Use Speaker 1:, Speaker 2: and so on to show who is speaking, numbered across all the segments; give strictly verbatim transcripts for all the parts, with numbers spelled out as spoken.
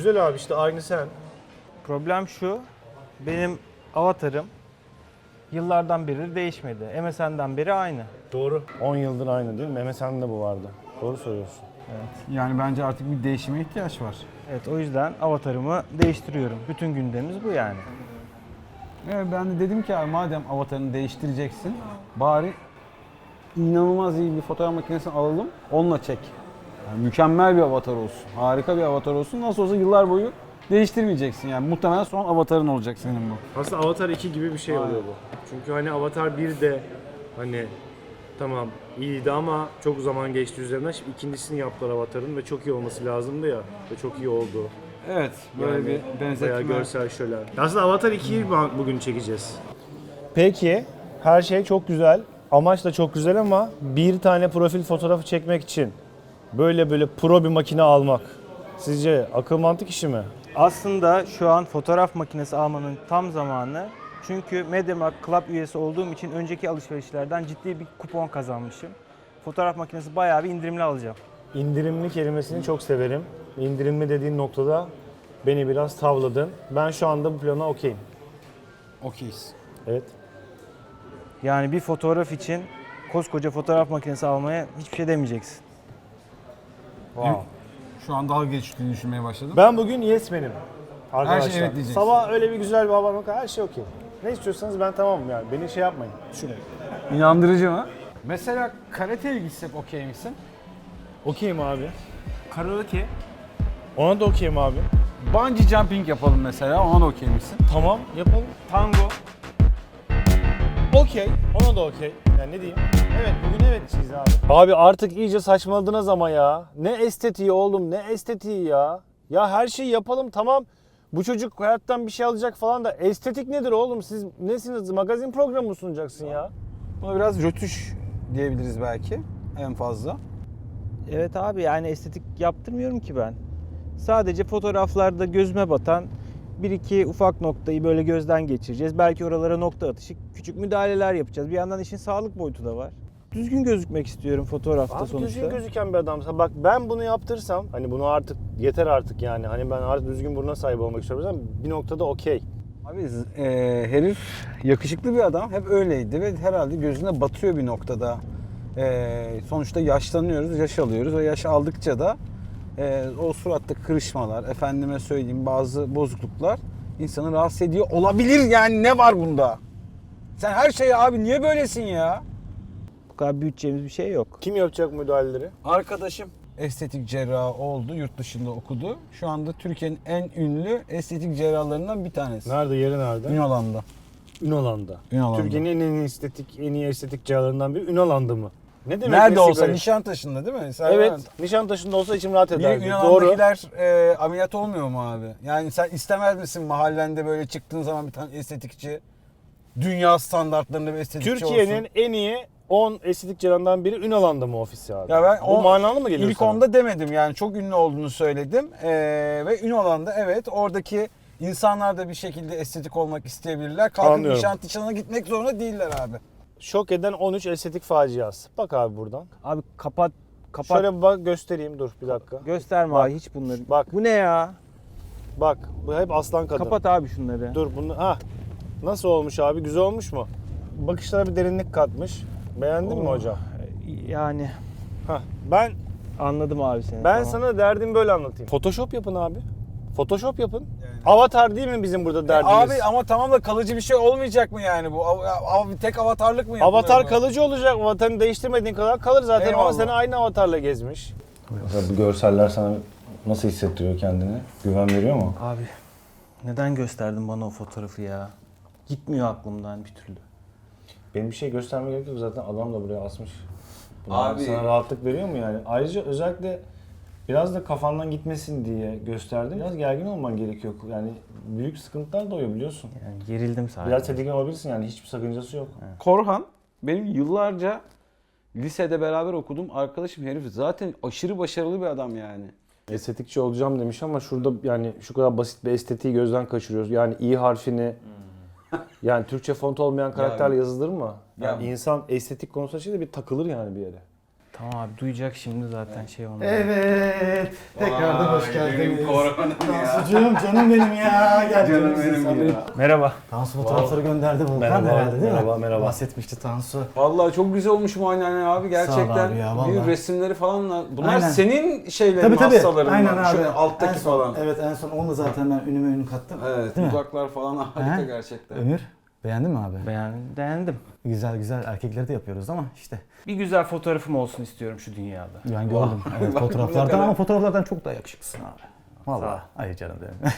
Speaker 1: Güzel abi, işte aynı sen.
Speaker 2: Problem şu, benim avatarım yıllardan beri değişmedi. M S N'den beri aynı.
Speaker 1: Doğru. on yıldır aynı değil mi? M S N'de bu vardı. Doğru söylüyorsun.
Speaker 3: Yani bence artık bir değişime ihtiyaç var.
Speaker 2: Evet, o yüzden avatarımı değiştiriyorum. Bütün gündemimiz bu yani.
Speaker 3: Evet, ben de dedim ki abi madem avatarını değiştireceksin, bari inanılmaz iyi bir fotoğraf makinesini alalım, onunla çek. Yani mükemmel bir avatar olsun, harika bir avatar olsun. Nasıl olsa yıllar boyu değiştirmeyeceksin yani. Muhtemelen son avatarın olacak senin bu.
Speaker 1: Aslında Avatar iki gibi bir şey oluyor bu. Çünkü hani Avatar bir de hani tamam iyiydi ama çok zaman geçti üzerinden. Şimdi ikincisini yaptılar Avatar'ın ve çok iyi olması lazımdı ya. Ve çok iyi oldu.
Speaker 3: Evet, böyle
Speaker 1: Yani
Speaker 3: bir benzetme.
Speaker 1: bayağı görsel şölen. Aslında Avatar ikiyi bugün çekeceğiz. Peki, her şey çok güzel. Amaç da çok güzel ama bir tane profil fotoğrafı çekmek için böyle böyle pro bir makine almak sizce akıl mantık işi mi?
Speaker 2: Aslında şu an fotoğraf makinesi almanın tam zamanı. Çünkü MediaMarkt Club üyesi olduğum için önceki alışverişlerden ciddi bir kupon kazanmışım. Fotoğraf makinesi bayağı bir indirimli alacağım.
Speaker 1: İndirimli kelimesini çok severim. İndirimli dediğin noktada beni biraz tavladın. Ben şu anda bu plana okeyim.
Speaker 3: Okeyiz.
Speaker 1: Evet.
Speaker 2: Yani bir fotoğraf için koskoca fotoğraf makinesi almaya hiçbir şey demeyeceksin.
Speaker 1: Wow.
Speaker 3: Şu an dalga geçtiğini düşünmeye başladım.
Speaker 1: Ben bugün yes benim. Arkadaşlar.
Speaker 3: Her şey evet diyeceksin.
Speaker 1: Sabah öyle bir güzel bir hava bakar, her şey okey. Ne istiyorsanız ben tamamım yani. Beni şey yapmayın. Şuraya.
Speaker 3: İnandırıcı mı? Mesela karateye gitsek okey misin?
Speaker 1: Okeyim abi. Karaoke. Ona da okeyim abi.
Speaker 3: Bungee jumping yapalım mesela, ona da okey misin?
Speaker 1: Tamam, yapalım.
Speaker 3: Tango.
Speaker 1: Okey. Ona da okey. Yani ne diyeyim? Evet, bugün evet çiz abi. Abi artık iyice saçmaladınız ama ya. Ne estetiği oğlum, ne estetiği ya. Ya her şeyi yapalım tamam. Bu çocuk hayattan bir şey alacak falan da estetik nedir oğlum? Siz nesiniz? Magazin programı mı sunacaksın ya?
Speaker 3: Buna biraz rötuş diyebiliriz belki en fazla.
Speaker 2: Evet abi, yani estetik yaptırmıyorum ki ben. Sadece fotoğraflarda gözüme batan bir iki ufak noktayı böyle gözden geçireceğiz. Belki oralara nokta atışı küçük müdahaleler yapacağız. Bir yandan işin sağlık boyutu da var. Düzgün gözükmek istiyorum fotoğrafta
Speaker 1: Abi
Speaker 2: sonuçta.
Speaker 1: düzgün gözüken bir adamsa bak ben bunu yaptırsam hani bunu artık yeter artık yani hani ben artık düzgün buruna sahip olmak istiyorum ama bir noktada okey.
Speaker 3: Abi e, herif yakışıklı bir adam, hep öyleydi ve herhalde gözüne batıyor bir noktada. E, sonuçta yaşlanıyoruz, yaş alıyoruz ve yaş aldıkça da e, o suratta kırışmalar, efendime söyleyeyim bazı bozukluklar insanı rahatsız ediyor olabilir yani, ne var bunda? Sen her şeye abi niye böylesin ya?
Speaker 2: Bu kadar büyüteceğimiz bir şey yok.
Speaker 1: Kim yapacak müdahaleleri?
Speaker 3: Arkadaşım estetik cerrahı oldu, yurt dışında okudu. Şu anda Türkiye'nin en ünlü estetik cerrahlarından bir tanesi.
Speaker 1: Nerede, yeri nerede?
Speaker 3: Ünalan'da.
Speaker 1: Ünalan'da.
Speaker 3: Ünalan'da.
Speaker 1: Türkiye'nin en iyi estetik, en iyi estetik cerrahlarından biri Ünalan'da mı? Ne demek?
Speaker 3: Nerede
Speaker 1: meslek
Speaker 3: olsa,
Speaker 1: öyle?
Speaker 3: Nişantaşı'nda değil mi? Sen
Speaker 1: Evet, Nişantaşı'nda olsa içim rahat
Speaker 3: Bir
Speaker 1: ederdi. Doğru.
Speaker 3: Yunan'dakiler e, ameliyat olmuyor mu abi? Yani sen istemez misin mahallende böyle çıktığın zaman bir tane estetikçi, dünya standartlarında bir estetikçi
Speaker 1: Türkiye'nin
Speaker 3: olsun?
Speaker 1: en iyi on estetik cerrahından biri Ünalan'da mı ofisi abi?
Speaker 3: Ya ben
Speaker 1: Bu
Speaker 3: o-
Speaker 1: manalı mı geliyor
Speaker 3: İlk
Speaker 1: sana?
Speaker 3: onda demedim yani, çok ünlü olduğunu söyledim. E, ve Ünalan'da evet, oradaki insanlar da bir şekilde estetik olmak isteyebilirler. Kalkıp
Speaker 1: Anlıyorum.
Speaker 3: Nişantaşı'na gitmek zorunda değiller abi.
Speaker 1: Şok eden on üç estetik faciası. Bak abi buradan.
Speaker 2: Abi kapat, kapat.
Speaker 1: Şöyle bir bak göstereyim, dur bir dakika.
Speaker 2: Gösterme
Speaker 1: Bak,
Speaker 2: abi hiç bunları.
Speaker 1: bak.
Speaker 2: Bu ne ya?
Speaker 1: Bak bu hep aslan kadın.
Speaker 2: Kapat abi şunları.
Speaker 1: Dur bunu, ha. Nasıl olmuş abi, güzel olmuş mu? Bakışlara bir derinlik katmış. Beğendin mi
Speaker 2: Oo.
Speaker 1: hocam?
Speaker 2: Yani
Speaker 1: Hah. Ben
Speaker 2: anladım abi seni.
Speaker 1: ben
Speaker 2: tamam.
Speaker 1: sana derdimi böyle anlatayım. Photoshop yapın abi. Photoshop yapın.
Speaker 3: Yani.
Speaker 1: Avatar değil mi bizim burada
Speaker 3: E
Speaker 1: derdimiz?
Speaker 3: abi ama tamam da kalıcı bir şey olmayacak mı yani bu? Av- av- tek avatarlık mı yapılıyor
Speaker 1: Avatar
Speaker 3: bu?
Speaker 1: kalıcı olacak. Avatarını değiştirmediğin kadar kalır zaten.
Speaker 3: Eyvallah.
Speaker 1: Ama seni aynı avatarla gezmiş.
Speaker 4: Bu görseller sana nasıl hissettiriyor kendini? Güven veriyor mu?
Speaker 2: Abi neden gösterdin bana o fotoğrafı ya? Gitmiyor aklımdan bir türlü.
Speaker 4: Benim bir şey göstermeye gerek yok, zaten adam da buraya asmış. Bu
Speaker 3: Abi-
Speaker 4: sana rahatlık veriyor mu yani? Ayrıca özellikle biraz da kafandan gitmesin diye gösterdim. Biraz gergin olman gerekiyor. Yani büyük sıkıntılar doğuyor biliyorsun.
Speaker 2: Yani gerildim sadece.
Speaker 4: Biraz tedirgin olabilirsin yani, hiçbir sakıncası yok.
Speaker 5: Korhan benim yıllarca lisede beraber okuduğum arkadaşım, herif zaten aşırı başarılı bir adam yani.
Speaker 1: Estetikçi olacağım demiş ama şurada yani şu kadar basit bir estetiği gözden kaçırıyoruz. Yani i harfini yani Türkçe font olmayan karakterle yazılır mı? Yani
Speaker 5: Ya-
Speaker 1: insan estetik konusunda şey de bir takılır yani bir yere.
Speaker 2: Tamam abi duyacak şimdi zaten şey olmadı.
Speaker 3: Evet. Tekrardan hoş
Speaker 5: Vay,
Speaker 3: geldiniz.
Speaker 5: benim Korhan'ım ya.
Speaker 3: Tansucuğum canım benim ya. Gel
Speaker 5: Canım
Speaker 3: canım
Speaker 5: benim ya.
Speaker 2: Merhaba.
Speaker 3: Tansu fotoğrafları gönderdi Volkan
Speaker 1: Merhaba,
Speaker 3: herhalde değil
Speaker 1: merhaba,
Speaker 3: mi?
Speaker 1: merhaba.
Speaker 3: Bahsetmişti Tansu.
Speaker 5: Vallahi çok güzel olmuş muayene abi gerçekten.
Speaker 3: abi ya, vallahi.
Speaker 5: Bir resimleri falanla. Bunlar
Speaker 3: Aynen.
Speaker 5: senin şeylerin
Speaker 3: Tabii tabii.
Speaker 5: hastaların
Speaker 3: Aynen
Speaker 5: mı?
Speaker 3: abi.
Speaker 5: Şu alttaki
Speaker 3: En son-
Speaker 5: falan.
Speaker 3: Evet en son onunla zaten ben ünüme ünü kattım.
Speaker 5: Evet,
Speaker 3: Değil mi?
Speaker 5: dudaklar falan harika
Speaker 3: He?
Speaker 5: gerçekten.
Speaker 3: Ömür beğendin mi abi?
Speaker 2: Beğendim. Beğendim.
Speaker 3: Güzel güzel erkekleri de yapıyoruz ama işte.
Speaker 2: Bir güzel fotoğrafım olsun istiyorum şu dünyada.
Speaker 3: Ben gördüm. Evet,
Speaker 5: Bak,
Speaker 3: fotoğraflardan
Speaker 5: ne kadar-
Speaker 3: ama fotoğraflardan çok daha yakışıklısın abi.
Speaker 2: Sağ ol.
Speaker 3: Vallahi. Ay canım benim.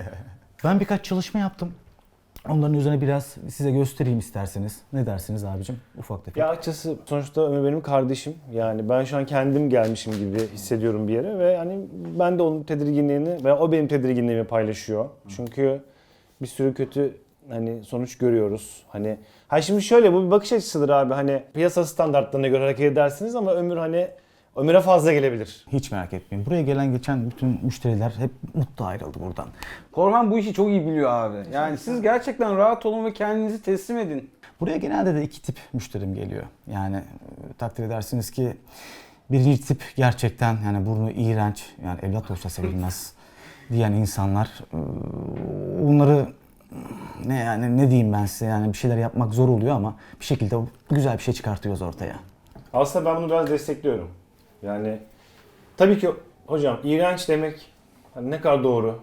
Speaker 3: Ben birkaç çalışma yaptım. Onların üzerine biraz size göstereyim isterseniz. Ne dersiniz abicim? Ufak tefek.
Speaker 1: Ya açıkçası sonuçta Ömer benim kardeşim. Yani ben şu an kendim gelmişim gibi hissediyorum bir yere ve hani ben de onun tedirginliğini veya o benim tedirginliğimi paylaşıyor. Çünkü bir sürü kötü hani sonuç görüyoruz. Hani ha şimdi şöyle bu bir bakış açısıdır abi. Hani piyasa standartlarına göre hareket edersiniz ama Ömür hani Ömür'e fazla gelebilir.
Speaker 3: Hiç merak etmeyin. Buraya gelen geçen bütün müşteriler hep mutlu ayrıldı buradan.
Speaker 5: Korhan bu işi çok iyi biliyor abi. Yani siz gerçekten rahat olun ve kendinizi teslim edin.
Speaker 3: Buraya genelde de iki tip müşterim geliyor. Yani e, takdir edersiniz ki birinci tip gerçekten yani burnu iğrenç, yani evlat olsa sevilmez diyen insanlar. E, Bunları ne yani ne diyeyim ben size, yani bir şeyler yapmak zor oluyor ama bir şekilde güzel bir şey çıkartıyoruz ortaya.
Speaker 1: Aslında ben bunu biraz destekliyorum. Yani tabii ki hocam iğrenç demek hani ne kadar doğru.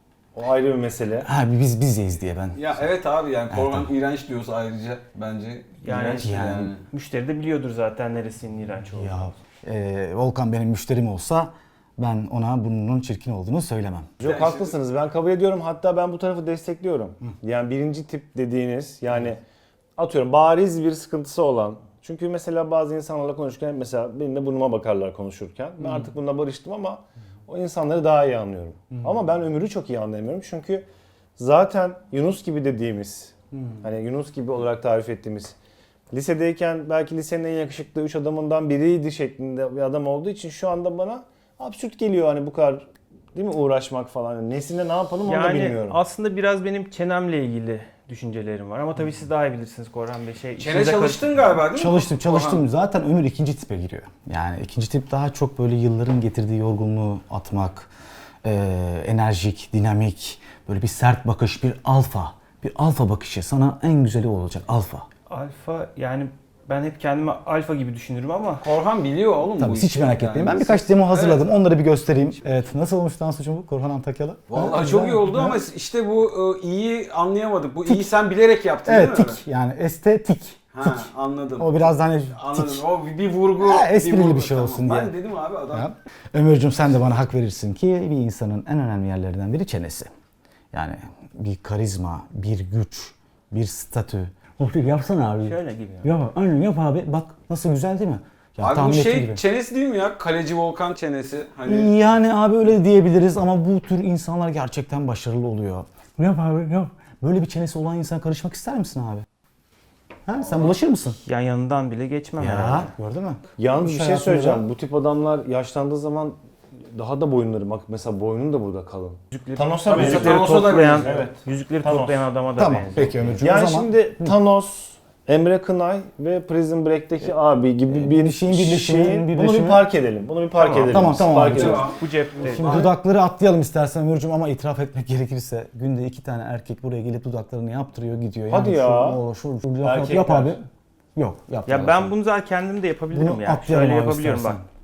Speaker 1: O ayrı bir mesele.
Speaker 3: Ha biz bizeyiz diye ben.
Speaker 5: Ya evet abi yani Korhan
Speaker 3: Evet,
Speaker 5: iğrenç diyorsa ayrıca bence
Speaker 2: Yani-
Speaker 5: iğrenç
Speaker 3: yani-
Speaker 5: yani.
Speaker 2: Müşteri de biliyordur zaten neresinin iğrenç olduğunu.
Speaker 3: Ya e, Volkan benim müşterim olsa ben ona burnunun çirkin olduğunu söylemem.
Speaker 1: Çok haklısınız. Ben kabul ediyorum. Hatta ben bu tarafı destekliyorum. Yani birinci tip dediğiniz yani atıyorum bariz bir sıkıntısı olan. Çünkü mesela bazı insanlarla konuşurken mesela benim de burnuma bakarlar konuşurken. Ben artık bununla barıştım ama o insanları daha iyi anlıyorum. Ama ben Ömür'ü çok iyi anlayamıyorum. Çünkü zaten Yunus gibi dediğimiz hani Yunus gibi olarak tarif ettiğimiz lisedeyken belki lisenin en yakışıklı üç adamından biriydi şeklinde bir adam olduğu için şu anda bana absürt geliyor hani bu kadar değil mi uğraşmak falan. Nesinde ne yapalım onu da
Speaker 2: Yani
Speaker 1: bilmiyorum.
Speaker 2: aslında biraz benim çenemle ilgili düşüncelerim var ama tabii siz daha iyi bilirsiniz Korhan Bey. Şey,
Speaker 5: Çene
Speaker 2: işinize
Speaker 5: çalıştın galiba değil mi?
Speaker 3: Çalıştım çalıştım.
Speaker 5: Korhan?
Speaker 3: Zaten Ömür ikinci tipe giriyor. Yani ikinci tip daha çok böyle yılların getirdiği yorgunluğu atmak, e, enerjik, dinamik, böyle bir sert bakış, bir alfa. Bir alfa bakışı sana en güzeli o olacak, alfa.
Speaker 2: Alfa yani ben hep kendimi alfa gibi düşünürüm ama
Speaker 5: Korhan biliyor oğlum
Speaker 3: Tabii
Speaker 5: bu
Speaker 3: hiç
Speaker 5: işi.
Speaker 3: merak
Speaker 5: Yani
Speaker 3: etmeyin. Ben
Speaker 5: siz-
Speaker 3: birkaç demo hazırladım.
Speaker 5: Evet.
Speaker 3: Onları bir göstereyim. Evet, nasıl olmuş Tansucuğum bu? Korhan Antakyalı.
Speaker 5: Vallahi
Speaker 3: Ha,
Speaker 5: çok
Speaker 3: güzel.
Speaker 5: iyi oldu
Speaker 3: Ha?
Speaker 5: ama işte bu e, iyi anlayamadık. Bu iyi sen bilerek yaptın
Speaker 3: Evet,
Speaker 5: değil mi?
Speaker 3: tik yani estetik.
Speaker 5: Ha, anladım.
Speaker 3: O biraz hani
Speaker 5: Anladım.
Speaker 3: tik.
Speaker 5: O bir vurgu.
Speaker 3: Ha, esprili
Speaker 5: vurgu,
Speaker 3: bir şey olsun
Speaker 5: Ben
Speaker 3: diye.
Speaker 5: dedim abi adam.
Speaker 3: Ya. Ömürcüğüm sen de bana hak verirsin ki bir insanın en önemli yerlerinden biri çenesi. Yani bir karizma, bir güç, bir statü. Hafif yapsana abi.
Speaker 2: şöyle gibi. ya.
Speaker 3: Yap, aynen yap abi. Bak nasıl güzel değil mi? Ya,
Speaker 5: Abi bu
Speaker 3: tahmin ettiğim
Speaker 5: şey
Speaker 3: gibi.
Speaker 5: çenesi değil mi ya? Kaleci Volkan çenesi. Hani
Speaker 3: Yani abi öyle diyebiliriz ama bu tür insanlar gerçekten başarılı oluyor. Yap abi yap. Böyle bir çenesi olan insan karışmak ister misin abi? Ha, sen bulaşır mısın?
Speaker 2: Yan yanından bile geçmem
Speaker 3: Ya
Speaker 2: herhalde.
Speaker 3: gördün mü?
Speaker 1: Yalnız bir
Speaker 3: İş
Speaker 1: şey
Speaker 3: hayatında
Speaker 1: söyleyeceğim.
Speaker 3: da-
Speaker 1: Bu tip adamlar yaşlandığı zaman daha da boyunları bak mesela boynun da burada kalın. Thanos'a
Speaker 5: Tabii,
Speaker 1: benziyor.
Speaker 5: Thanos'a da
Speaker 2: toplayan,
Speaker 5: benziyor.
Speaker 1: Evet.
Speaker 2: yüzükleri
Speaker 1: Thanos.
Speaker 2: toplayan adama da
Speaker 3: Tamam
Speaker 2: benziyor.
Speaker 3: peki Ömürcüğüm
Speaker 1: Yani
Speaker 3: o zaman.
Speaker 1: şimdi Thanos, Emre Kınay ve Prison Break'teki abi gibi bir
Speaker 3: bir şeyin birleşimi,
Speaker 1: şeyin-
Speaker 3: birleşimi.
Speaker 1: Bunu bir park edelim. Bunu bir park
Speaker 2: Tamam,
Speaker 1: edelim.
Speaker 3: tamam,
Speaker 1: biz.
Speaker 3: tamam
Speaker 1: Park
Speaker 3: abi,
Speaker 1: edelim.
Speaker 5: Tamam.
Speaker 2: Bu cepte.
Speaker 3: Şimdi dudakları atlayalım istersen Ömürcüğüm ama itiraf etmek gerekirse günde iki tane erkek buraya gelip dudaklarını yaptırıyor gidiyor.
Speaker 1: Hadi
Speaker 3: yani
Speaker 1: ya.
Speaker 3: Şu, o, şu, şu, yap,
Speaker 1: Erkekler.
Speaker 3: yap abi. Yok yap.
Speaker 2: Ya ben bunu zaten kendim de yapabilirim
Speaker 3: Bunu
Speaker 2: ya.
Speaker 3: atlayalım
Speaker 2: Şöyle
Speaker 3: abi
Speaker 2: yapabiliyorum
Speaker 3: istersen.
Speaker 2: bak.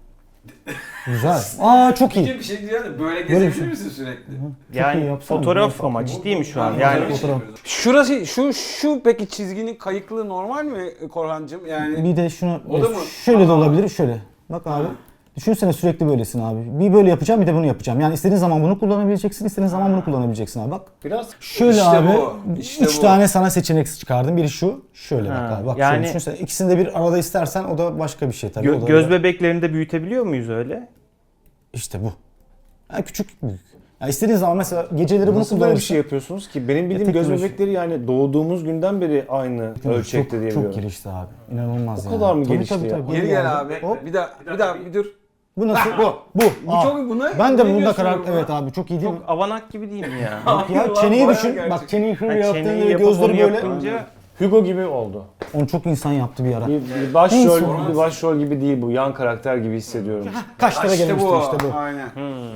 Speaker 3: Güzel. Aa çok iyi.
Speaker 5: bir şey diyeceğim de böyle
Speaker 3: Böyle
Speaker 5: gezebilir
Speaker 3: bir şey.
Speaker 5: misin sürekli?
Speaker 3: iyi
Speaker 2: Yani
Speaker 3: yapsana.
Speaker 2: fotoğraf
Speaker 3: Bunu-
Speaker 2: ama ciddi mi şu an?
Speaker 5: Ben
Speaker 2: Yani
Speaker 5: böyle bir şey
Speaker 3: fotoğraf-
Speaker 5: yapıyorum. Şurası şu şu peki çizginin kayıklığı normal mi Korhancığım? Yani
Speaker 3: Bir de şunu
Speaker 5: O da mı?
Speaker 3: şöyle de
Speaker 5: Aa.
Speaker 3: olabilir şöyle. Bak abi. Düşünsene sürekli böylesin abi. Bir böyle yapacağım bir de bunu yapacağım. Yani istediğin zaman bunu kullanabileceksin, istediğin zaman bunu kullanabileceksin abi. Bak.
Speaker 1: Biraz
Speaker 3: Şöyle
Speaker 5: İşte
Speaker 3: abi.
Speaker 5: bu, işte
Speaker 3: üç
Speaker 5: bu.
Speaker 3: tane sana seçenek çıkardım. Biri şu, şöyle
Speaker 2: Ha,
Speaker 3: bak abi. Bak
Speaker 2: yani-
Speaker 3: şöyle düşünsene. İkisini de bir arada istersen o da başka bir şey tabii.
Speaker 2: gö-
Speaker 3: O da-
Speaker 2: göz bebeklerini de büyütebiliyor muyuz öyle?
Speaker 3: İşte bu. Yani küçük büyük. Yani istediğin zaman mesela geceleri bunu
Speaker 1: nasıl böyle bir
Speaker 3: kullanırsın.
Speaker 1: şey yapıyorsunuz ki? Benim bildiğim
Speaker 3: tek
Speaker 1: göz
Speaker 3: böyle şey.
Speaker 1: bebekleri yani doğduğumuz günden beri aynı ölçekte
Speaker 3: çok,
Speaker 1: diye
Speaker 3: çok
Speaker 1: biliyorum.
Speaker 3: gelişti abi. İnanılmaz
Speaker 1: O
Speaker 3: yani.
Speaker 1: kadar mı
Speaker 3: Tabii,
Speaker 1: gelişti
Speaker 3: tabii,
Speaker 1: ya?
Speaker 3: tabii.
Speaker 5: Geri
Speaker 3: Bu
Speaker 5: gel
Speaker 3: yani.
Speaker 5: abi.
Speaker 3: Hop.
Speaker 5: Bir daha bir daha bir dur.
Speaker 3: Bu nasıl? bu. Bu.
Speaker 5: Bu
Speaker 3: Aa.
Speaker 5: çok buna.
Speaker 3: Ben de
Speaker 5: ne
Speaker 3: bunda
Speaker 5: diyorsun
Speaker 3: karar
Speaker 5: buna?
Speaker 3: evet abi çok iyi değil mi?
Speaker 2: Çok avanak gibi değil mi ya?
Speaker 3: Ya
Speaker 5: Hayır lan,
Speaker 3: çeneyi
Speaker 5: bayağı
Speaker 3: düşün.
Speaker 5: gerçek.
Speaker 3: Bak çeneyi şöyle
Speaker 2: Ha,
Speaker 3: yaptığında
Speaker 2: çeneyi
Speaker 3: ve
Speaker 2: yapıp
Speaker 3: gözleri
Speaker 2: onu
Speaker 3: böyle.
Speaker 2: yapınca
Speaker 1: Hugo gibi oldu.
Speaker 6: Onu çok insan yaptı bir ara.
Speaker 1: Bir, bir başrol,
Speaker 6: Neyse.
Speaker 1: bir başrol gibi değil bu. Yan karakter gibi hissediyorum.
Speaker 6: Kaşlara
Speaker 5: İşte
Speaker 6: gelmişti
Speaker 5: bu.
Speaker 6: işte bu.
Speaker 5: Aynen.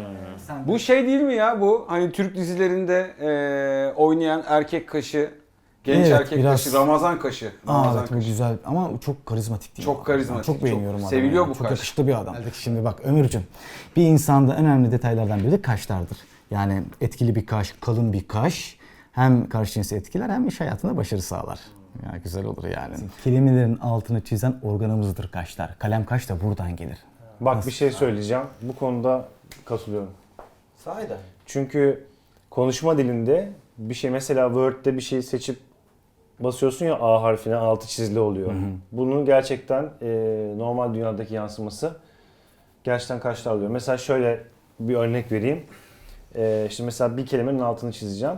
Speaker 5: Bu şey değil mi ya bu? Hani Türk dizilerinde e, oynayan erkek kaşı, genç
Speaker 6: Evet,
Speaker 5: erkek
Speaker 6: biraz-
Speaker 5: kaşı, Ramazan kaşı.
Speaker 6: Aa,
Speaker 5: Ramazan
Speaker 6: evet bu
Speaker 5: kaşı.
Speaker 6: güzel ama çok karizmatik değil
Speaker 5: Çok
Speaker 6: mi?
Speaker 5: karizmatik,
Speaker 6: Çok
Speaker 5: çok
Speaker 6: beğeniyorum adamı.
Speaker 5: seviliyor
Speaker 6: ya.
Speaker 5: bu
Speaker 6: Çok
Speaker 5: kaş.
Speaker 6: yakışıklı bir adam. Şimdi bak Ömürcüm, bir insanda en önemli detaylardan biri de kaşlardır. Yani etkili bir kaş, kalın bir kaş hem karşı cinsi etkiler hem iş hayatında başarı sağlar. Ya güzel olur yani. Kelimelerin altını çizen organımızdır kaşlar. Kalem kaş da buradan gelir.
Speaker 1: Bak bir şey söyleyeceğim. Bu konuda katılıyorum.
Speaker 2: Sahiden.
Speaker 1: Çünkü konuşma dilinde bir şey mesela Word'de bir şeyi seçip basıyorsun ya A harfine altı çizili oluyor. Bunun gerçekten e, normal dünyadaki yansıması gerçekten kaşlar oluyor. Mesela şöyle bir örnek vereyim. E, işte mesela bir kelimenin altını çizeceğim.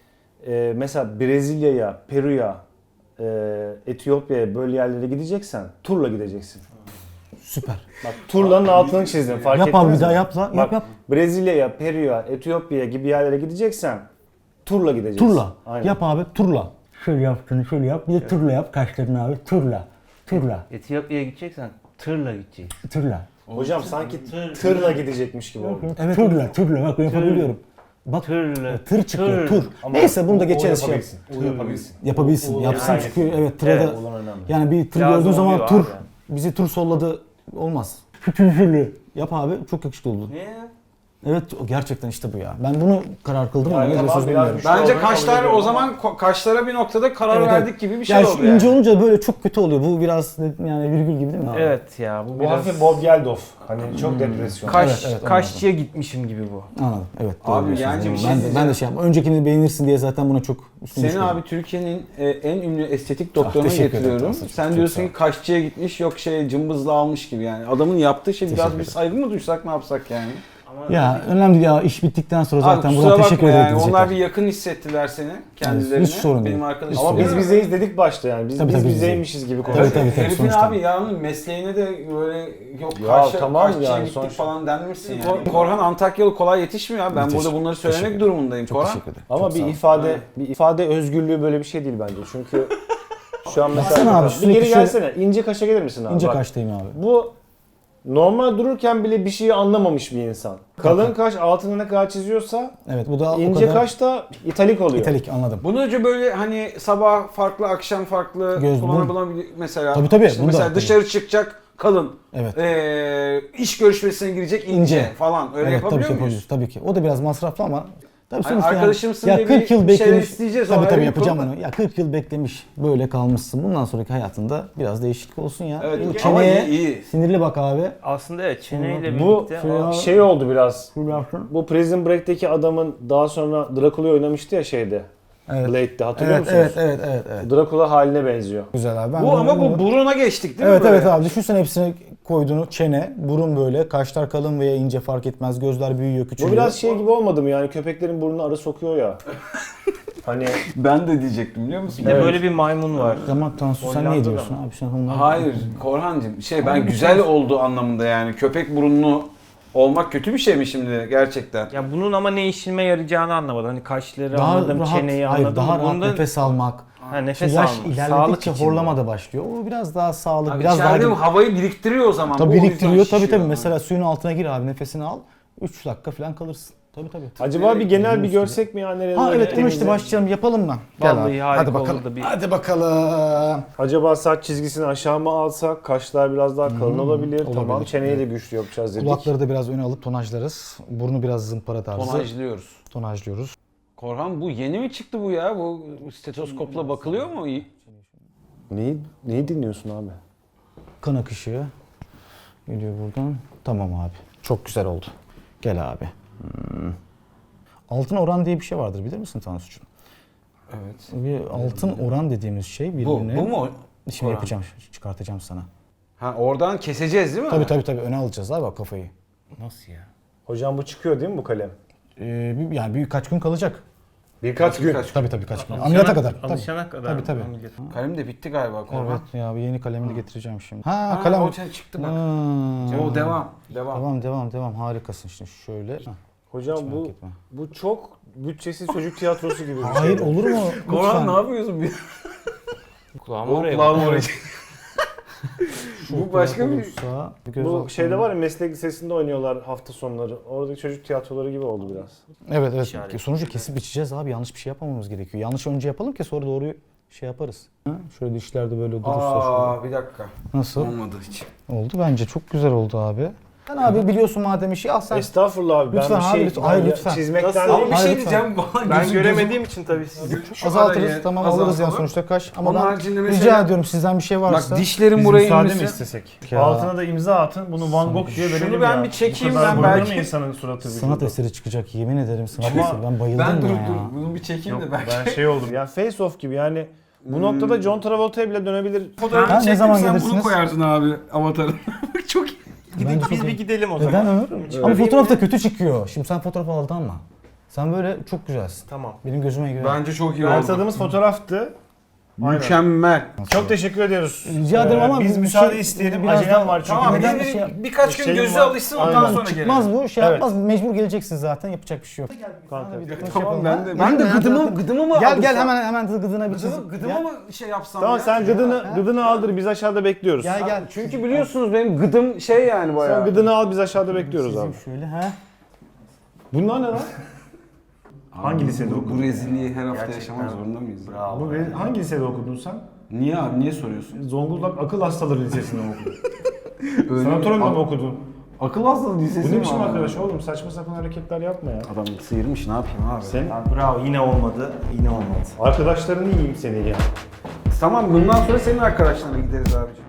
Speaker 1: E, mesela Brezilya'ya, Peru'ya, e, Etiyopya'ya böyle yerlere gideceksen turla gideceksin.
Speaker 6: Süper.
Speaker 1: Bak turlanın altını çizdim fark
Speaker 6: Yap
Speaker 1: ettiniz
Speaker 6: abi bir
Speaker 1: mi?
Speaker 6: daha yap la. Yap
Speaker 1: Bak,
Speaker 6: yap.
Speaker 1: Brezilya'ya, Peru'ya, Etiyopya'ya gibi yerlere gideceksen turla gideceksin.
Speaker 6: Turla.
Speaker 1: Aynen.
Speaker 6: Yap abi turla. Şöyle yaptığını şöyle yap. Bir de turla yap kaşlarını abi. Turla. Turla.
Speaker 2: Etiyopya'ya gideceksen tırla gideceksin.
Speaker 6: Turla.
Speaker 1: Hocam sanki tırla gidecekmiş gibi oldu.
Speaker 6: Evet turla turla bak yapabiliyorum. Bak
Speaker 2: Tırla.
Speaker 6: tır çıkıyor
Speaker 2: Tır.
Speaker 6: tur. Neyse bunu da geçeriz şey.
Speaker 1: yapabilsin. O yapabilsin.
Speaker 6: Yapabilsin. Yapsın çünkü evet tırda
Speaker 1: Evet, olan önemli.
Speaker 6: yani bir tır
Speaker 2: Lazım
Speaker 6: gördüğün zaman
Speaker 2: oluyor
Speaker 6: tur
Speaker 2: abi.
Speaker 6: bizi tur solladı olmaz. Kütülfülü. Yap abi çok yakışıklı oldu.
Speaker 2: Niye?
Speaker 6: Evet o gerçekten işte bu ya. Ben bunu karar kıldım ama
Speaker 1: Yani
Speaker 6: ne
Speaker 1: tamam,
Speaker 6: diyorsunuz
Speaker 1: biraz
Speaker 6: bilmiyorum.
Speaker 1: güçlü
Speaker 5: Bence
Speaker 1: olduğunu kabul
Speaker 5: kaşlar
Speaker 1: ediyorum
Speaker 5: o
Speaker 1: ama-
Speaker 5: zaman ko- kaşlara bir noktada karar
Speaker 6: Evet,
Speaker 5: verdik
Speaker 6: evet.
Speaker 5: gibi bir şey
Speaker 6: Yani
Speaker 5: oldu
Speaker 6: şu
Speaker 5: yani.
Speaker 6: ince olunca böyle çok kötü oluyor. Bu biraz yani virgül gibi değil mi abi?
Speaker 2: Evet ya bu
Speaker 1: Bu
Speaker 2: biraz
Speaker 1: hafif Bob Geldof. Hani çok depresyon.
Speaker 2: kaş,
Speaker 6: Evet, evet,
Speaker 2: kaşçıya gitmişim gibi bu.
Speaker 6: Anladım. Evet.
Speaker 5: Abi
Speaker 6: doğru diyorsunuz.
Speaker 5: yani bir şey
Speaker 6: ben, de, ben
Speaker 5: diyeceğim.
Speaker 6: de şey yapmam. Öncekini beğenirsin diye zaten buna çok üstüne
Speaker 5: Seni
Speaker 6: düşmedim.
Speaker 5: abi Türkiye'nin e, en ünlü estetik doktoruna
Speaker 6: teşekkür ederim
Speaker 5: getiriyorum.
Speaker 6: Tansu'cum.
Speaker 5: Sen
Speaker 6: Çok
Speaker 5: diyorsun
Speaker 6: sağ ol.
Speaker 5: ki kaşçıya gitmiş yok şey cımbızla almış gibi yani. Adamın yaptığı şey biraz
Speaker 6: Teşekkür
Speaker 5: bir
Speaker 6: ederim.
Speaker 5: saygı mı duysak ne yapsak yani?
Speaker 6: Ya önemli değil ya iş bittikten sonra zaten
Speaker 5: Abi
Speaker 6: buradan
Speaker 5: kusura
Speaker 6: teşekkür
Speaker 5: bakma
Speaker 6: ederim
Speaker 5: yani.
Speaker 6: diyecekler.
Speaker 5: Onlar bir yakın hissettiler seni kendilerine.
Speaker 6: hiç sorun
Speaker 5: Benim
Speaker 6: değil.
Speaker 5: arkadaşım.
Speaker 1: Ama biz
Speaker 5: Değil mi?
Speaker 1: bizeyiz dedik başta yani. Biz
Speaker 6: Tabii,
Speaker 1: biz
Speaker 6: tabii, biz
Speaker 1: bizeymişiz gibi
Speaker 6: Tabii,
Speaker 1: konuşuyoruz.
Speaker 6: tabii, tabii.
Speaker 5: Herifin
Speaker 6: sonuçta.
Speaker 5: abi yani mesleğine de böyle yok
Speaker 1: Ya
Speaker 5: kaşça,
Speaker 1: tamam
Speaker 5: kaşçıya
Speaker 1: yani
Speaker 5: gittik
Speaker 1: sonuç-
Speaker 5: falan denmişsin yani. Korhan Antakyalı kolay yetişmiyor abi. Ben
Speaker 6: Müthiş.
Speaker 5: burada bunları söylemek
Speaker 6: Teşekkür
Speaker 5: durumundayım
Speaker 6: Çok
Speaker 5: Korhan.
Speaker 6: teşekkür ederim.
Speaker 1: Ama
Speaker 6: Çok sağ
Speaker 1: bir
Speaker 6: ol.
Speaker 1: ifade bir ifade özgürlüğü böyle bir şey değil bence. Çünkü şu an mesela
Speaker 6: Baksana abi,
Speaker 1: bir
Speaker 6: sürekli
Speaker 1: geri
Speaker 6: şöyle-
Speaker 1: gelsene. İnce kaşa gelir misin abi?
Speaker 6: İnce
Speaker 1: Bak,
Speaker 6: kaştayım abi.
Speaker 1: Bu normal dururken bile bir şeyi anlamamış bir insan. Kalın kaş altına ne kadar çiziyorsa
Speaker 6: Evet bu da o
Speaker 1: ince
Speaker 6: kadar
Speaker 1: kaş da italik oluyor.
Speaker 6: italik anladım.
Speaker 5: Bundan önce böyle hani sabah farklı, akşam farklı
Speaker 6: Göz-
Speaker 5: kullanılabilen mesela.
Speaker 6: Tabii, tabii,
Speaker 5: işte
Speaker 6: bunu da-
Speaker 5: mesela
Speaker 6: tabii.
Speaker 5: dışarı çıkacak kalın.
Speaker 6: Evet.
Speaker 5: Ee, iş görüşmesine girecek ince,
Speaker 6: İnce.
Speaker 5: falan. Öyle
Speaker 6: evet,
Speaker 5: yapabiliyor
Speaker 6: tabii ki
Speaker 5: muyuz?
Speaker 6: yapabiliriz. Tabii ki. O da biraz masraflı ama tabii
Speaker 5: Hani
Speaker 6: sonuçta
Speaker 5: arkadaşımsın
Speaker 6: yani,
Speaker 5: diye
Speaker 6: ya kırk
Speaker 5: bir
Speaker 6: yıl
Speaker 5: şeyler
Speaker 6: beklemiş.
Speaker 5: isteyeceğiz, o
Speaker 6: Tabii
Speaker 5: ayrı
Speaker 6: tabii
Speaker 5: bir
Speaker 6: yapacağım
Speaker 5: konu.
Speaker 6: onu. Ya kırk yıl beklemiş. Böyle kalmışsın. Bundan sonraki hayatında biraz değişiklik olsun ya.
Speaker 5: Evet,
Speaker 6: Bu
Speaker 5: ama
Speaker 6: çeneye
Speaker 5: iyi, iyi.
Speaker 6: sinirli bak abi.
Speaker 2: Aslında evet çeneyle
Speaker 1: Bu
Speaker 2: birlikte
Speaker 6: Şuraya-
Speaker 1: şey oldu biraz.
Speaker 6: Şöyle yapsın.
Speaker 1: Bu Prison Break'teki adamın daha sonra Dracula'yı oynamıştı ya şeyde.
Speaker 6: Evet.
Speaker 1: Blade'de hatırlıyor
Speaker 6: Evet,
Speaker 1: musunuz?
Speaker 6: evet, evet, evet, evet.
Speaker 1: Dracula haline benziyor.
Speaker 6: Güzel abi. Ben
Speaker 5: Bu
Speaker 6: bunu-
Speaker 5: ama bu
Speaker 6: bunu-
Speaker 5: buruna geçtik değil
Speaker 6: Evet
Speaker 5: mi? böyle?
Speaker 6: evet abi düşünsene hepsini koyduğunu çene, burun böyle, kaşlar kalın veya ince fark etmez, gözler büyüyor, küçülüyor.
Speaker 1: Bu biraz şey gibi olmadı mı yani köpeklerin burnuna arı sokuyor ya. Hani
Speaker 5: Ben de diyecektim biliyor musun?
Speaker 2: bir de
Speaker 1: Evet.
Speaker 2: böyle bir maymun var.
Speaker 6: Zaman Tansu sen ne
Speaker 2: Hollanda'da
Speaker 6: diyorsun abi? Sen onlar...
Speaker 5: Hayır Korhancığım şey ben güzel olduğu anlamında yani köpek burunlu olmak kötü bir şey mi şimdi gerçekten?
Speaker 2: Ya bunun ama ne işime yarayacağını anlamadım. Hani kaşları
Speaker 6: Daha
Speaker 2: anladım,
Speaker 6: rahat,
Speaker 2: çeneyi
Speaker 6: hayır,
Speaker 2: anladım.
Speaker 6: daha rahat
Speaker 2: Bunda
Speaker 6: nefes almak.
Speaker 2: ha, nefes
Speaker 6: Şimdi yaş
Speaker 2: alma. Sağlık
Speaker 6: ilerledikçe
Speaker 2: için.
Speaker 6: horlama da başlıyor. O biraz daha sağlık,
Speaker 5: Abi
Speaker 6: biraz daha...
Speaker 5: içeride bu havayı biriktiriyor o zaman.
Speaker 6: Tabii
Speaker 5: Bu o yüzden
Speaker 6: biriktiriyor tabii
Speaker 5: şişiyor.
Speaker 6: tabii. Mesela suyun altına gir abi nefesini al. üç dakika falan kalırsın. Tabii tabii.
Speaker 1: acaba bir genel bir görsek mi ya nereye
Speaker 6: Ha
Speaker 1: doğru
Speaker 6: evet onu
Speaker 1: gittiğimizi?
Speaker 6: işte başlayalım yapalım mı? Gel
Speaker 2: Vallahi
Speaker 6: abi.
Speaker 2: harika
Speaker 6: Hadi bakalım.
Speaker 2: olurdu bir-
Speaker 6: Hadi bakalım.
Speaker 1: Acaba saç çizgisini aşağı mı alsak? Kaşlar biraz daha kalın olabilir.
Speaker 6: olabilir.
Speaker 1: Tamam çeneyi de güçlü yapacağız dedik.
Speaker 6: Kulakları da biraz öne alıp tonajlarız. Burnu biraz zımpara tarzı.
Speaker 5: Tonajlıyoruz.
Speaker 6: Tonajlıyoruz.
Speaker 5: Korhan bu yeni mi çıktı bu ya? Bu stetoskopla bakılıyor mu?
Speaker 1: Neyi, neyi dinliyorsun abi?
Speaker 6: Kan akışı geliyor buradan. Tamam abi. Çok güzel oldu. Gel abi. Hmm. Altın oran diye bir şey vardır bilir misin Tansucuğum?
Speaker 5: Evet.
Speaker 6: Bir altın oran dediğimiz şey
Speaker 5: Bu,
Speaker 6: birbirine...
Speaker 5: bu mu?
Speaker 6: Şimdi
Speaker 5: oran?
Speaker 6: yapacağım, çıkartacağım sana.
Speaker 5: Ha oradan keseceğiz değil mi?
Speaker 6: Tabii tabii tabii öne alacağız abi bak kafayı.
Speaker 2: Nasıl ya?
Speaker 1: Hocam bu çıkıyor değil mi bu kalem?
Speaker 6: Ee, bir, yani birkaç gün kalacak.
Speaker 1: Birkaç gün.
Speaker 5: Birkaç-
Speaker 6: Tabii tabii kaç gün. Ameliyata kadar. Tabii.
Speaker 2: Alışana kadar.
Speaker 6: Tabii tabii.
Speaker 2: ameliyat.
Speaker 5: Kalem de bitti galiba Korhan.
Speaker 6: Evet ya bir yeni kalemini getireceğim şimdi. Ha,
Speaker 5: Ha,
Speaker 6: kalem.
Speaker 5: o şey çıktı bak.
Speaker 6: Ha.
Speaker 5: O devam. Devam.
Speaker 6: Devam devam devam harikasın şimdi şöyle. Hah,
Speaker 1: Hocam
Speaker 6: hiç merak
Speaker 1: bu
Speaker 6: etme.
Speaker 1: bu çok bütçesiz çocuk tiyatrosu gibi bir şey.
Speaker 6: Hayır olur mu?
Speaker 5: Korhan
Speaker 6: Lütfen.
Speaker 5: ne yapıyorsun?
Speaker 2: Kulağım
Speaker 5: O
Speaker 2: oraya
Speaker 5: kulağım
Speaker 2: bak.
Speaker 5: oraya. Bu başka bir...
Speaker 6: Olursa, bir göz
Speaker 1: Bu
Speaker 6: altına-
Speaker 1: şeyde var ya, meslek lisesinde oynuyorlar hafta sonları. Oradaki çocuk tiyatroları gibi oldu biraz.
Speaker 6: Evet evet.
Speaker 2: İşaret.
Speaker 6: Sonuçta kesip biçeceğiz abi. Yanlış bir şey yapmamamız gerekiyor. Yanlış önce yapalım ki sonra doğruyu şey yaparız. Ha? Şöyle dişlerde böyle durursa şöyle.
Speaker 3: Aa bir dakika.
Speaker 6: Nasıl?
Speaker 5: Olmadı hiç.
Speaker 6: Oldu bence. Çok güzel oldu abi. Sen abi biliyorsun madem işi al sen.
Speaker 1: Estağfurullah abi,
Speaker 6: Lütfen
Speaker 1: ben bir
Speaker 6: abi,
Speaker 1: şey
Speaker 6: lütfen. Hayır, lütfen.
Speaker 1: çizmekten
Speaker 2: Nasıl?
Speaker 1: değil.
Speaker 5: Bir şey
Speaker 6: Hayır,
Speaker 5: diyeceğim. Bana
Speaker 2: Ben
Speaker 5: gözüm-
Speaker 2: göremediğim için tabii siz.
Speaker 6: Azaltırız
Speaker 5: arayı
Speaker 6: tamam alırız yani
Speaker 5: azaltalım.
Speaker 6: sonuçta kaş. Ama
Speaker 5: Onun
Speaker 6: ben
Speaker 5: haricinde
Speaker 6: rica
Speaker 5: mesela-
Speaker 6: ediyorum sizden bir şey varsa.
Speaker 5: Bak dişlerim
Speaker 1: Biz
Speaker 5: buraya
Speaker 1: müsaade mi
Speaker 5: inmesi.
Speaker 1: istesek?
Speaker 6: Ya.
Speaker 1: Altına da imza atın, bunu Van Gogh diye verelim
Speaker 5: Şunu ben
Speaker 1: ya.
Speaker 5: bir çekeyim,
Speaker 1: Bu kadar
Speaker 5: ben
Speaker 1: boyanır
Speaker 5: belki-
Speaker 1: mı insanın suratı
Speaker 6: sanat
Speaker 1: vücudu?
Speaker 6: eseri çıkacak yemin ederim sanat
Speaker 1: Ama
Speaker 6: eseri. Ben bayıldım
Speaker 5: Ben
Speaker 6: buna
Speaker 5: dur
Speaker 6: ya.
Speaker 5: dur bunu bir çekeyim
Speaker 1: Yok,
Speaker 5: de belki.
Speaker 1: ben şey oldum. Ya Face Off gibi yani. Bu noktada John Travolta'ya bile dönebilir.
Speaker 5: Fotoğrafı
Speaker 6: Ha, ne
Speaker 5: çektim,
Speaker 6: zaman
Speaker 5: sen
Speaker 6: gelirsiniz?
Speaker 5: bunu koyarsın abi avatarın. Çok iyi.
Speaker 6: Bence çok
Speaker 2: Biz
Speaker 6: iyi.
Speaker 2: bir gidelim o zaman.
Speaker 6: Neden Ömür? Ama fotoğraf da kötü çıkıyor. Şimdi sen fotoğraf aldanma. Sen böyle çok güzelsin.
Speaker 2: Tamam.
Speaker 6: Benim gözüme göre.
Speaker 5: Bence çok iyi oldu.
Speaker 1: Artadığımız fotoğraftı. Aynen.
Speaker 5: Mükemmel.
Speaker 1: Çok teşekkür ediyoruz.
Speaker 6: Rica ederim
Speaker 1: Ee,
Speaker 6: ama
Speaker 1: biz
Speaker 6: bir
Speaker 1: müsaade
Speaker 6: şey-
Speaker 1: isteyelim.
Speaker 6: biraz
Speaker 1: Acelem
Speaker 6: daha-
Speaker 1: var çünkü.
Speaker 5: Tamam
Speaker 6: Neden
Speaker 5: bir,
Speaker 6: bir şey-
Speaker 5: birkaç gün
Speaker 1: Şeyim
Speaker 5: gözü
Speaker 1: var.
Speaker 5: alışsın ondan
Speaker 1: Aynen.
Speaker 5: sonra
Speaker 6: Çıkmaz
Speaker 5: gelelim.
Speaker 6: bu şey
Speaker 1: Evet.
Speaker 6: yapmaz. Mecbur geleceksin zaten yapacak bir şey yok.
Speaker 1: Kanka.
Speaker 5: Tamam ben de
Speaker 6: Ha?
Speaker 5: ben de
Speaker 6: Gidin,
Speaker 5: gıdımı
Speaker 6: hadi.
Speaker 5: gıdımı mı
Speaker 6: Gel
Speaker 5: alırsam?
Speaker 6: gel hemen hemen gıdına bir
Speaker 5: Gıdımı,
Speaker 6: çiz.
Speaker 5: gıdımı
Speaker 6: Gel.
Speaker 5: mı şey yapsam
Speaker 1: Tamam
Speaker 5: ya?
Speaker 1: sen gıdını, gıdını aldır, biz aşağıda bekliyoruz.
Speaker 6: Gel gel.
Speaker 5: Çünkü biliyorsunuz benim gıdım şey yani bayağı.
Speaker 1: Sen gıdını al, biz aşağıda bekliyoruz abi.
Speaker 6: Şöyle ha.
Speaker 1: Bunlar ne lan? Hangi lisede
Speaker 5: bu,
Speaker 1: okudun?
Speaker 5: bu rezilliği her hafta
Speaker 2: Gerçekten.
Speaker 5: yaşamak zorunda mıyız?
Speaker 2: Bravo.
Speaker 1: Bu re- hangi lisede okudun sen?
Speaker 5: Niye abi niye soruyorsun?
Speaker 1: Zonguldak Akıl Hastaları Lisesi'nde mi okudun?
Speaker 5: Öyle
Speaker 1: Sanatoryumda
Speaker 5: mi?
Speaker 1: mı okudun?
Speaker 5: Akıl hastalığı lisesi
Speaker 1: Bu ne
Speaker 5: mi
Speaker 1: biçim
Speaker 5: abi?
Speaker 1: arkadaş oğlum? Saçma sapan hareketler yapma ya.
Speaker 5: Adam sıyırmış ne yapayım abi?
Speaker 1: Sen
Speaker 2: Bravo, yine olmadı. Yine olmadı.
Speaker 1: arkadaşlarını yiyeyim seni ya.
Speaker 5: Tamam bundan sonra senin arkadaşlarına gideriz abiciğim.